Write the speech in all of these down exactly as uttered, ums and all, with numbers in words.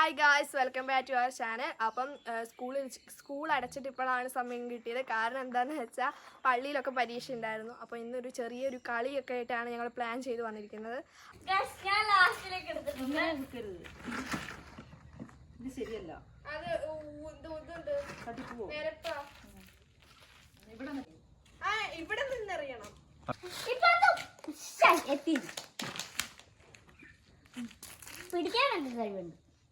Hi guys, welcome back to our channel. അപ്പം സ്കൂളിൽ school അടച്ചിട്ട് ഇപ്പോഴാണ് സമയം കിട്ടിയത്. കാരണം എന്താണെന്ന് വെച്ചാൽ പള്ളിയിലൊക്കെ പരീക്ഷ ഉണ്ടായിരുന്നു. അപ്പോൾ ഇന്നൊരു ചെറിയൊരു കളിയൊക്കെ ആയിട്ടാണ് ഞങ്ങൾ പ്ലാൻ ചെയ്ത് വന്നിരിക്കുന്നത്. ഇവിടെ നിന്നറിയണം. പിടിക്കാനുണ്ട് കഴിവുണ്ട്.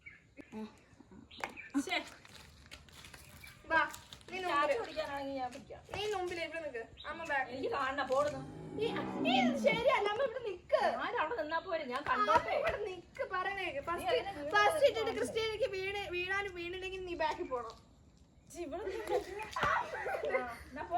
നീ മുമ്പിൽ ഇവിടെ നിക്ക്. അമ്മ ബാക്ക് എനിക്ക് കാണണം പോടുന്നു. ശരിയല്ല, അമ്മ ഇവിടെ നിക്ക്. അവിടെ നിന്നാ പോരെ, ഞാൻ കണ്ടോട്ടെ. ഇവിടെ നിക്ക് പറയണേ. ഫസ്റ്റ് ഇട്ടിട്ട് ക്രിസ്ത്യാനിക്ക് വീണ് വീണാലും വീണില്ലെങ്കിൽ നീ ബാക്കിൽ പോണം. പോ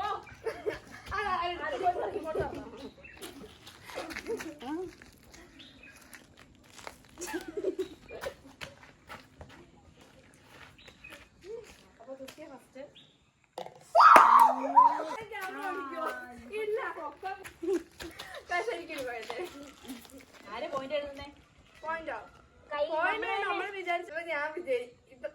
ആരെ പോയിന്റ് എഴുതുന്നേ? പോയിന്റോ? നമ്മള് വിചാരിച്ചപ്പോ ഞാൻ വിജയിക്കും.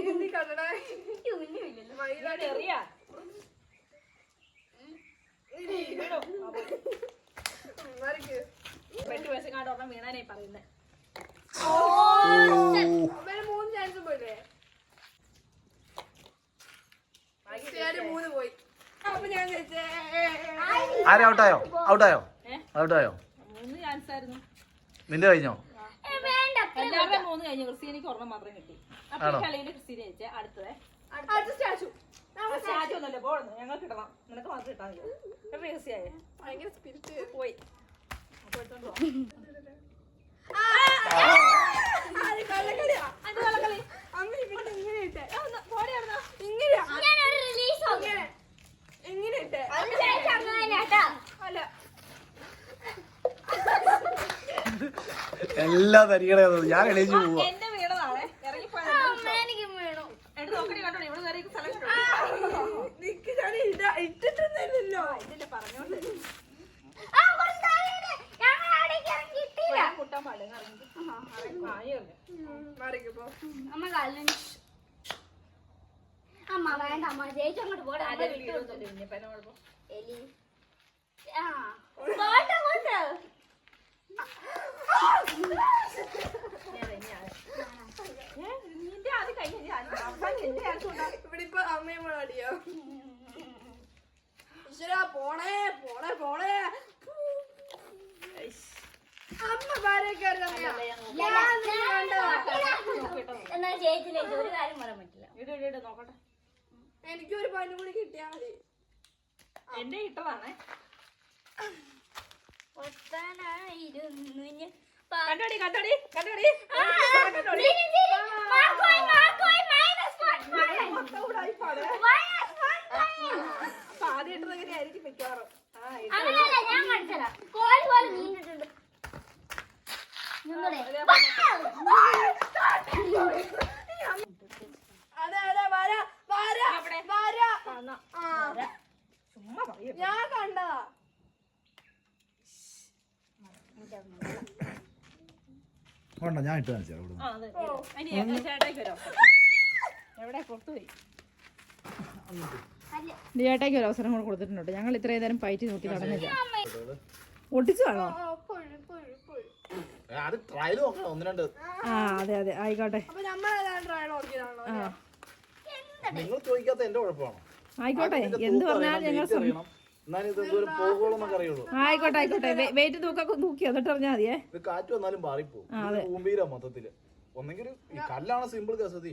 എട്ട് വയസ്സെങ്ങാണ്ട് ഒരെണ്ണം വീണാനേ പറയുന്നേ. മൂന്ന് ചാൻസ് പോയില്ലേ? മൂന്ന് പോയി. അപ്പൊ ഞാൻ ഔട്ടായോ ഔട്ടായോ ഔട്ടായോ മൂന്ന് ചാൻസ് ആയിരുന്നു. നിന്റെ കഴിഞ്ഞോ? എല്ലാവരുടെ മൂന്ന് കഴിഞ്ഞു. ക്രിസ്ത്യാനിക്ക് ഒരെണ്ണം മാത്രം കിട്ടി. അപ്പൊ ഈ കളിയില് ക്രിസ്ത്യാനി ജയിച്ചേ. അടുത്തത് സ്റ്റാച്ചു സ്റ്റാച്ചു ഒന്നല്ലേ പോടുന്നു. ഞങ്ങൾ കിട്ടണം, നിനക്ക് മാത്രം കിട്ടാൻ രഹസ്യായ ഭയങ്കര സ്പിരിറ്റ് പോയി. എല്ലാ തരികട ഞാൻ എണീച്ചു പോവാ. എന്റെ വീണതാണ്. ഇറങ്ങിപ്പോയത് നോക്കണി കണ്ടോ. ഇവിടെ വരെ ഇട്ടിട്ടൊന്നുമില്ലല്ലോ. ഇതിന്റെ പറഞ്ഞോണ്ട് കുട്ടാൻ പാടില്ല. അമ്മ വേണ്ട, അമ്മ ചേച്ചി അങ്ങോട്ട് പോട്ടെ. നിന്റെ അത് കഴിഞ്ഞ ഇവിടെ ഇപ്പൊ അമ്മയും കൂടെ അടിയോ? ഈശ്വരാ, പോണേ പോണേ പോണേ. അമ്മ ഭാര്യക്കാർ എന്നാ ചേച്ചിയിലെ ഒരു കാര്യം പറയാൻ പറ്റില്ല. ഇട് നോക്കട്ടെ. എനിക്കൊരു പൈനും കൂടി കിട്ടിയാ മതി. എന്റെ ഇട്ടതാണേ. കണ്ടോടി കണ്ടോടി കണ്ടോടി. ആദ്യം ഇട്ടത് എങ്ങനെയായിരിക്കും മിക്കവാറും. ഞാൻ കാണിച്ചതാ. കോഴി പോലെ നീണ്ടിട്ടുണ്ട്. അതെ അതെ വര വര വര. ചുമ്മാ പറയും. ഞാൻ കണ്ടതാ. ഞാൻ ഇട്ട് കാണിച്ചു. ചേട്ടായിക്ക് വരാം. എവിടെ പുറത്തുപോയി. ചേട്ടായിക്ക് ഒരു അവസരം കൂടെ കൊടുത്തിട്ടുണ്ട്. ഞങ്ങൾ ഇത്രയും നേരം പയറ്റി നോക്കി നടന്നില്ല. ഒട്ടിച്ചു വേണോ? ആ അതെ അതെ ആയിക്കോട്ടെ. നിങ്ങൾ ചോദിക്കാത്ത എന്റെ കുഴപ്പമാണോ? ആയിക്കോട്ടെ, എന്ത് പറഞ്ഞാലും ഞങ്ങൾ ആയിക്കോട്ടെ ആയിക്കോട്ടെ. വെയിറ്റ് തൂക്കൊക്കെ തൂക്കി എന്നിട്ട് അറിഞ്ഞാൽ മതിയേ. കാറ്റ് വന്നാലും മാറിപ്പോവും മൊത്തത്തില്. ഒന്നെങ്കിൽ കല്ലാണ് സിമ്പിൾ കേസതി.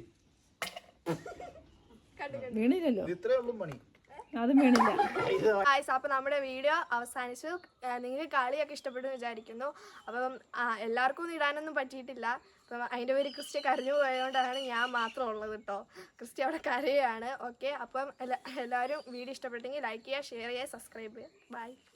വീണില്ലല്ലോ, ഇത്രേ ഉള്ളൂ പണി. അതും വീണില്ല. അപ്പൊ നമ്മുടെ വീഡിയോ അവസാനിച്ചു. നിങ്ങൾക്ക് കളിയൊക്കെ ഇഷ്ടപ്പെട്ടു വിചാരിക്കുന്നു. അപ്പം എല്ലാവർക്കും ഒന്നും ഇടാനൊന്നും പറ്റിയിട്ടില്ല. അപ്പം അതിൻ്റെ പേര് ക്രിസ്ത്യ കരഞ്ഞു പോയതുകൊണ്ടാണ് ഞാൻ മാത്രം ഉള്ളത് കേട്ടോ. ക്രിസ്ത്യ അവിടെ കരയാണ്. ഓക്കെ, അപ്പം എല്ലാ എല്ലാവരും വീഡിയോ ഇഷ്ടപ്പെട്ടെങ്കിൽ ലൈക്ക് ചെയ്യുക, ഷെയർ ചെയ്യുക, സബ്സ്ക്രൈബ് ചെയ്യുക. ബൈ.